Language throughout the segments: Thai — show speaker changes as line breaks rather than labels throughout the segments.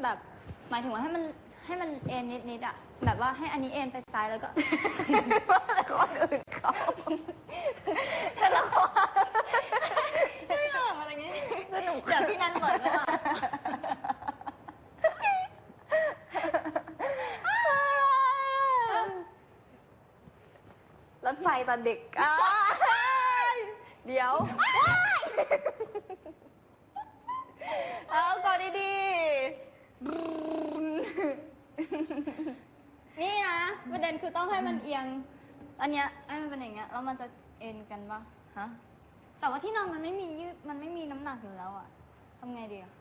แบบหมายถึงว่าให้มันเอ็นนิดอ่ะแบบว่าให้อันนี้เอ็นไปซ้ายแล้วก็แต่คนอื่นเขาแต่ละคนไม่หรอกอะไรเงี้ยสนุกเดี๋ยวพี่นันก่อนก็มารถไฟตอนเด็กเดี๋ยวเอาก่อนดีๆนี่นะประเด็นคือต้องให้มันเอียงอันเนี้ยให้มันเป็นอย่างเงี้ยแล้วมันจะเอ็นกันปะฮะแต่ว่าที่นอนมันไม่มียืดมันไม่มีน้ำหนักอยู่แล้วอะทำไงดีอะ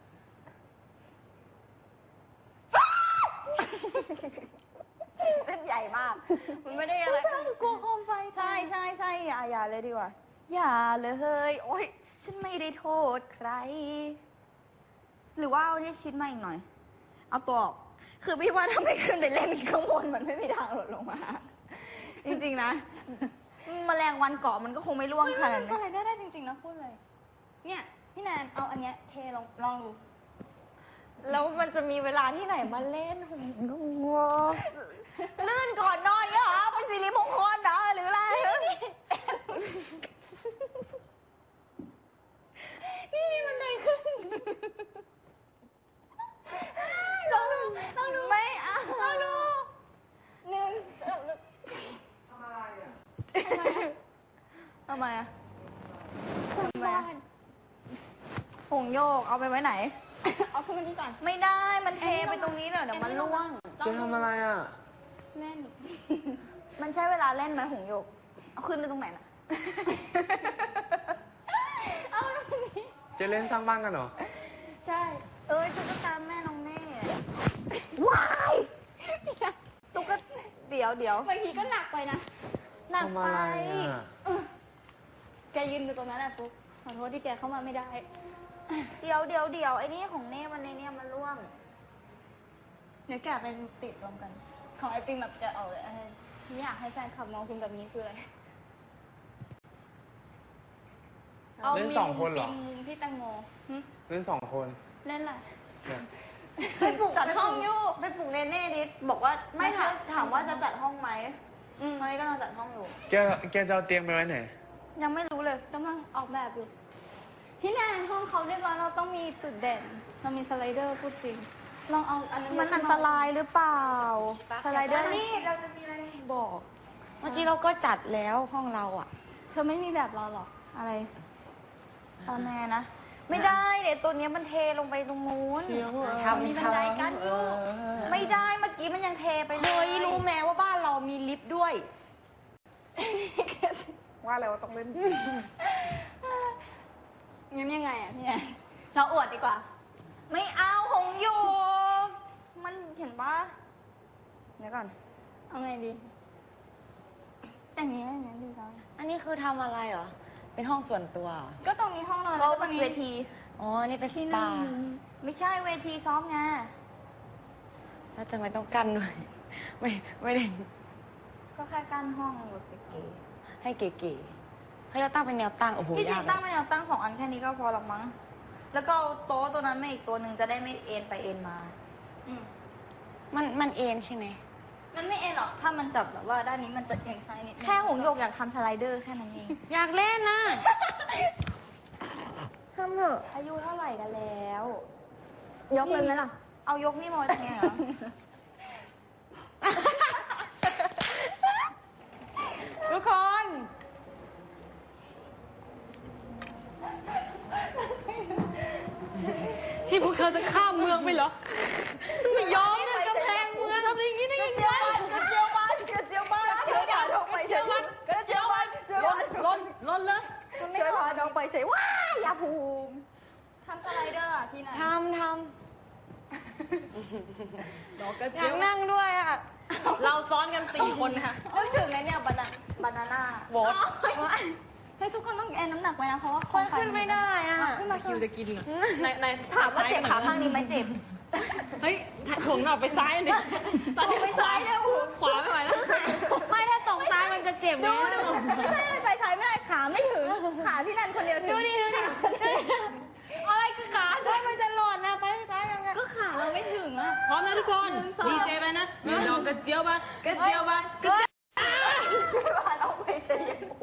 เป็นใหญ่มากมันไม่ได้อะไรกลัวโคมไฟใช่อย่าเลยดีกว่าอย่าเลยโอ๊ยฉันไม่ได้โทษใครหรือว่าเอาที่ชิดมาอีกหน่อยเอาตัวออกคือพี่ว่าถ้าไม่ขึ้นไปเล่นข้างบนมันไม่มีทางหล่นลงมาจริงๆนะแมลงวันเกาะมันก็คงไม่ร่วงขนาดนี้สไลเดอร์ได้จริงๆนะพูดเลยเนี่ยพี่แนนเอาอันเนี้ยเทลองดูแล้วมันจะมีเวลาที่ไหนมาเล่นหุ่นงัวลื่นก่อนนอนเหรอเป็นสิริมงคลเหรอหรืออะไรนี่มันไหนขึ้นลองดูไม่เอาลองดูหนึ่งทำอะไรอ่ะทำไมอ่ะหงโยกเอาไปไว้ไหนเอาขึ้นมานี่ก่อนไม่ได้มันเทไปตรงนี้เดี๋ยวมันร่วง
จะทำอะไรอ่ะ
เล่นมันใช้เวลาเล่นไหมหงโยกเอาขึ้นไปตรงไหนน่ะเอาตรงนี้
จะเล่นสร้างบ้านกันเหรอ
ใช่ตุ๊กตาแม่น้องเน่ว้ายตุ๊กเดี๋ยวบางทีก็หนักไปนะหนักไปแกยืนอยู่ตรงนั้นแหละฟุ๊กขอโทษที่แกเข้ามาไม่ได้เดี๋ยวไอ้นี่ของเน่มันในเนี่ยมันร่วงเดี๋ยวแกไปติดรวมกันของไอปิงแบบจะเอาเลยไม่อยากให้แฟนขับมองคุณแบบนี้คืออะไร
เล่น2 คนเหรอ
พี่แตงโม
เล่น2 คน
เล่นอะไรไปปลุกจัดห้องอยู่ไปปลุกเน่ดิบอกว่าไม่ถามว่าจะจัดห้องไหมตอนนี้กำลังจัดห้องอยู่
แกจะเอาเตียงไปไว้ไหน
ยังไม่รู้เลยกำลังออกแบบอยู่ที่แนนห้องเขาเรียบร้อยเราต้องมีจุดเด่นเรามีสไลเดอร์พูดจริงลองเอาอันนั้นมันอันตรายหรือเปล่าสไลเดอร์นี่เราจะมีอะไรบอก
เมื่อกี้เราก็จัดแล้วห้องเราอ่ะ
เธอไม่มีแบบเราหรออะไรตอนแน่นะไม่ได้เดี๋ยวตัวนี้มันเทลงไปตรงนู้นมีบันไดกั้นอยู่ไม่ได้เมื่อกี้มันยังเทไปเลย
รู้แม้ว่าบ้านเรามีลิฟต์ด้วย
ว่าแล้วต้องเล่นงั้นยังไงอ่ะพี่แอนเราอวดดีกว่าไม่เอาหงอยู่มันเห็นปะเดี๋ยวก่อนเอาไงดีแต่งนี้ดีแล้ว
อันนี้คือทำอะไรเหรอเป็นห้องส่วนตัว
ก็ตรงนี้ห้องนอนแล้วก็มีเวที
อ๋อนี่เป็นสปา
ไม่ใช่เวทีซ้อมไง
แล้วทำไมต้องกั้นด้วยไม่ได้
ก็แค่กั้นห้องแบบเก๋
ๆให้เก๋ๆให้เราตั้งเป็นแนวตั้งโอ้โห
ที่จริงตั้งเป็นแนวตั้ง2 อันแค่นี้ก็พอหรอกมั้งแล้วก็โต๊ะตัวนั้นมาอีกตัวหนึ่งจะได้ไม่เอ็นไปเอ็นมา
มันเอ็นใช่ไหม
มันไม่เอ็นหรอกถ้ามันจับแบบว่าด้านนี้มันจะเอียงซ้ายนิดแค่หงโยกอยากทำสไลเดอร์แค่นั้นเอง
อยากเล่นนะ
ทำเถอะอายุเท่าไหร่กันแล้วยกเลยไหมล่ะเอายกนี่มาตรงนี้เหรอ
ทุกคนที่พวกเธอจะข้ามเมืองไปเหรอไม่ยอมนะกำแพงเมืองทำอย่างนี้ได้ยังไง
กระเจียวบ้านช่วยพาน้องไปเฉย
ล้นเลย
ช่วยพาน้องไปเฉยว้ายยาภูมิทำสไลเดอร์อ่ะที่ไหน
ทำอยากนั่งด้วยอ่ะเราซ้อนกัน4 คนค่ะ
นึกถึงไงเนี่ยบานาน่า
บอส
เฮ้ยทุกคนต้องแอนน้ำหนักไว้นะเพราะว่า
คนขึ้นไม่ได้อ่ะ
ขึ้นมา
คิวจะกิน
ในถามว่าเจ็บขาข้างนี้ไหมเจ็บ
เฮ้ยถ่วงหน่อไปซ้ายดิ
ตอนนี้ไปซ้ายเลย
ขวาไม่ไหวแล้วไม่ถ้าส่งซ้ายมันจะเจ็บ
ดูไม่ใช่ไปซ้ายไม่ได้ขาไม่ถึงขาพี่นันคนเดียวถึง
ดูดิอะไรคือขาด้วยมันจะหล่นนะไปซ้ายยังไง
ก็ขาเราไม่ไม่ถึงอ่ะ
พร้อมนะทุกคนดีเจไปนะมีดอกกระเจียวบ้างกระเจียวบ้างกระเจียว
ว่าเราไม่ใช่ยังกู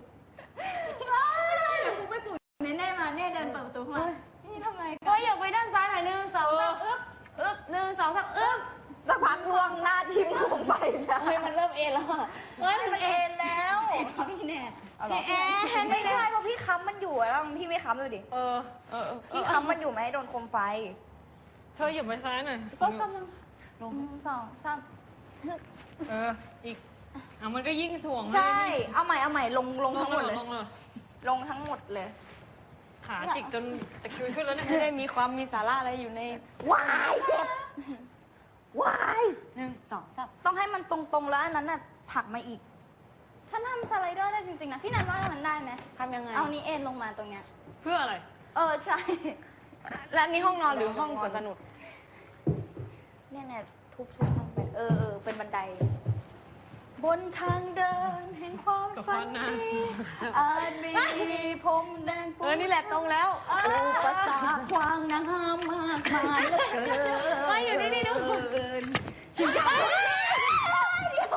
เดี๋ยวกูไปปลุกเน่มาเน่เดินเปิดประตูเข้ามานี่ทำไงก็อยากไปด้านซ้ายหน่อย1 2 3อึ๊บ1 2 3อึ๊บสักพักล่วงหน้าทิ้งผมไปจ้ะมันเริ่มเอ็นแล้วมันเอ็นแล้วพี่แน่พี่แอนไม่ใช่เพราะพี่ค้ำมันอยู่แล้วพี่ไม่ค้ำดูดิพี่ค้ำมันอยู่ไหมโดนโคมไฟ
เธอหยิบไปซ้ายหน่อย
ก็กำลังลง2 3
อีกมันก็ยิ่งถ่วง
ใช่เอาใหม่ลงทั้งหมดเลย
ลง
ทั้งหมดเลย
ขาจิกจนตะคริวขึ้นแล้วเนี่ย
ไม่ได้มีความมีสาระอะไรอยู่ในวายเจ็บวาย1 2 3ต้องให้มันตรงๆแล้วอันนั้นน่ะผลักมาอีกฉันทำสไลเดอร์ได้จริงๆนะพี่นันว่ามันได้ไหมทำยังไงเอานี้เอ็นลงมาตรงเนี้ย
เพื่ออะไร
ใช่แล้วนี่ห้องนอนหรือห้องสวนสนุกเนี่ยทุบห้องไปเป็นบันได บนทางเดินแห่งความฝันดีอาจมีพรมแดงปูนี่แหละตรงแล้วอุปสรรคขวางน้ำมากมายเหลือเกินไม่อยู่นี่ดูชิจังเดี๋ยว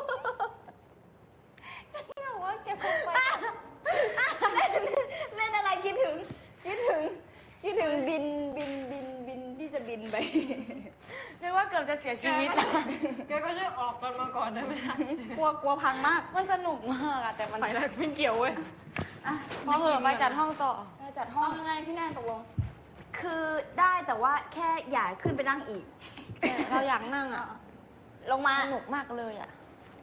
ว่าแกคงไปเล่นอะไรคิดถึงบินที่จะบินไปเรียกว่าเกือบจะเสียชีวิตแล้ว
แกก็ช่วยออกกันมาก่อนได้ไหม
กลัวพังมากมันสนุกมากอะแต่มัน
ไปแล้วไม่เกี่ยวเว้ย
พอเหอะไปจัดห้องต่อจัดห้องยังไงพี่แนนตกลงคือได้แต่ว่าแค่อย่าขึ้นไปนั่งอีกเราอยากนั่งอะลงมาสนุกมากเลยอะ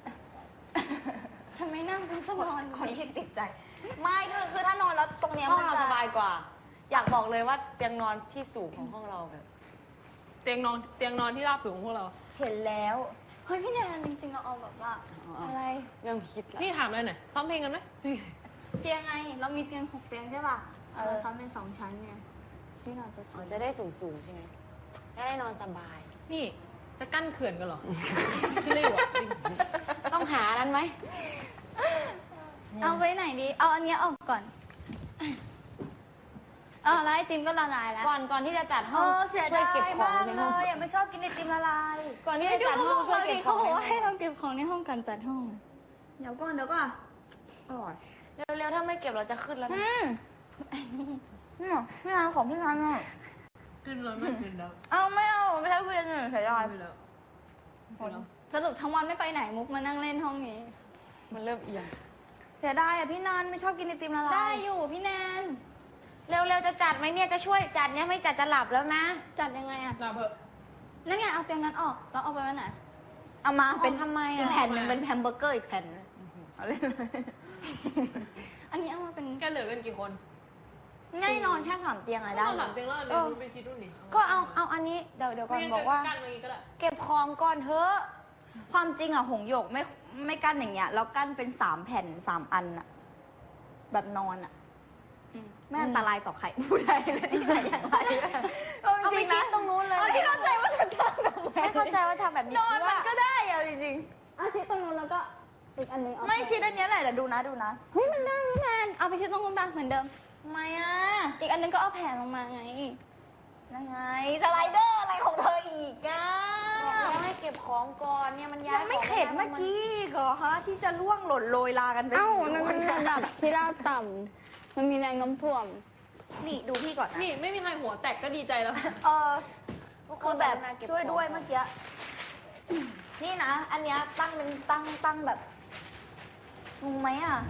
ฉันไม่นั่งฉันจะนอนคนที่ติดใจไม่คือถ้านอนแล้วตรงเนี้ย
ห้อง
มัน
เรา
จะ
สบายกว่า อยากบอกเลยว่าเตียงนอนที่สูงของห้องเราแบบ
เตียงนอนที่ราบสูงของพวกเรา
เห็นแล้วเฮ้ยพี่แนนจริงๆเราเอาแบบว่าอะไร
เรื่องคิดละ
นี่ถามเลยหน่อยซ้อมเพลงกันไหม
เตียงไงเรามีเตียง6 เตียงใช่ป่ะเราซ้อนเป็น2 ชั้นไงที่นอนจะ
อ๋อจะได้สูงๆใช่ไหมจะได้นอนสบาย
นี่จะกั้นเขื่อนกันเหรอที่เรียกว่าจริง
ต้องหานั้นไหม
เอาไว้ไหนดีเอาอันเนี้ยออกก่อนแล้วไอติมก็ละลายแล้ว
ก่อนที่จะจัดห้อง
เสีย
ช่วย
ดาย
เก็บของ
มาก
ใน
เล
ห้อง
ยไม่ชอบกินไอติมละลาย
ก่อนที่จะจัดห้องช่วยเก็บของ
เขาบอกว่าให้เราเก็บของในห้องกันจัดห้องเดี๋ยวก่อนอร่อย
เร็วๆถ้าไม่เก็บเราจะขึ้นแล้วนะ
นี่พี่นานของพี่นานอ่ะ
ขึ้นเลยไม่ขึ้นแล้ว
เอาไม่เอาไม่ใช่เพื่อนเสียดาย
ขึ้นแล้ว
สรุปทั้งวันไม่ไปไหนมุกมานั่งเล่นห้องนี้
มันเริ่มเอียง
เสียดายอ่ะพี่นานไม่ชอบกินไอติมละลายได้อยู่พี่แนน
เร็วๆจะจัดไหมเนี่ยจะช่วยจัดเนี่ยไม่จัดจะหลับแล้วนะ
จัดยังไงอ่ะ
ลาเถอะ
นั่นไงเอาเตียงนั้นออกแล้วเอาไปไว้ไหนเอามาเป็น
ทำไม
อีก
อ่ะ
แผ่นหนึ่งเป็นแฮมเบอร์เกอร์อีกแผ่นนึงเอาเล่นเลยอันนี้เอามาเป็น
แกเหลือกันกี่คน
ง่ายนอนแค่3 เตียงอะได้
ต้องหลับเตียงแล้วเดี๋ยวรู้ไปคิดดูนี่
ก็เอาอันนี้เดี๋ยวก่อนบอกว่า
กั้นอะไรก็ได้
เก็บของก่อนเถอะ
ความจริงอะหงหยกไม่กั้นอย่างเงี้ยแล้วกั้นเป็น3 แผ่น3 อันอะแบบนอนอะไม่อันตรายต่อใครผู้ใดเลยที่ไหนอย่างไร
เอาไปชิดตรงนู้นเลย
ไม่เข้าใจว่าจะทำแบบไหน
ไม่เข้าใจว่าทำแบบนี้
นอน
ว่า
มันก็ได้อะจริงๆชิดตรงนู้นแล้วก็อีกอันนึงไม่ชิดอันเนี้ยแหละเดี๋ยวดูนะเฮ้ยมันได้พี่แนนเอาไปชิดตรงนู้นบ้างเหมือนเดิมทำไมอะอีกอันนึงก็เอาแผ่นลงมาไงยังไงสไลเดอร์อะไรของเธออีกอะ
บอกให้เก็บของก่อนเนี่ยมันย้าย
ยังไม่เข็ดเมื่อกี้เหรอฮะที่จะล่วงหล่นโรยลากันไป
มันเป็นระดับที่ราบต่ำ มันมีแรงโน้มถ่วง
นี่ดูพี่ก่อนนะ
นี่ไม่มีใครหัวแตกก็ดีใจแล้ว
คือแบบช่วยด้วยเมื่อกี้นี่นะ อันเนี้ยตั้งเป็นตั้งแบบงงไหมอ่ะ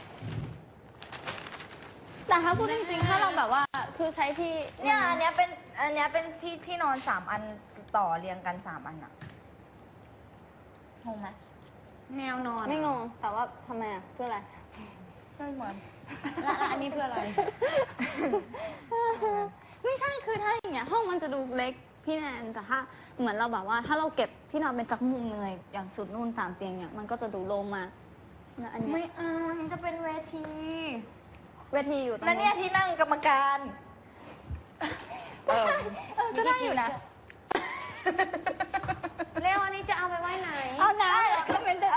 แต่ถ้าพูดจริงๆ ถ้าเราแบบว่า คือใช้ที่
เนี่ยอันเนี้ยเป็นที่นอน3 อันต่อเรียงกัน3 อันอะงงไหมแนวนอน
ไม่งง แต่ว่าทำไมอ่ะ เพื่ออะไร
ไม่เหมือน
แล้วอันนี้เพื่ออะไร
ไม่ใช่ คือถ้าอย่างเงี้ยห้องมันจะดูเล็กพี่แนน แต่ถ้าเหมือนเราแบบว่า ถ้าเราเก็บที่นอนเป็นสักมุมเลย อย่างสุดนู่น3 เตียงเนี่ย มันก็จะดูโล่งมากนะอันเนี้
ไม่
ย
เอามันจะเป็นเวที
เวทีอยู่ตรง
แล้วเนี่ยที่นั่งกรรมการ ก็ได้อยู่นะ
เร็วอันนี้จะเอาไปไว้ไหน
เอาน้ำก็เป็นเดิ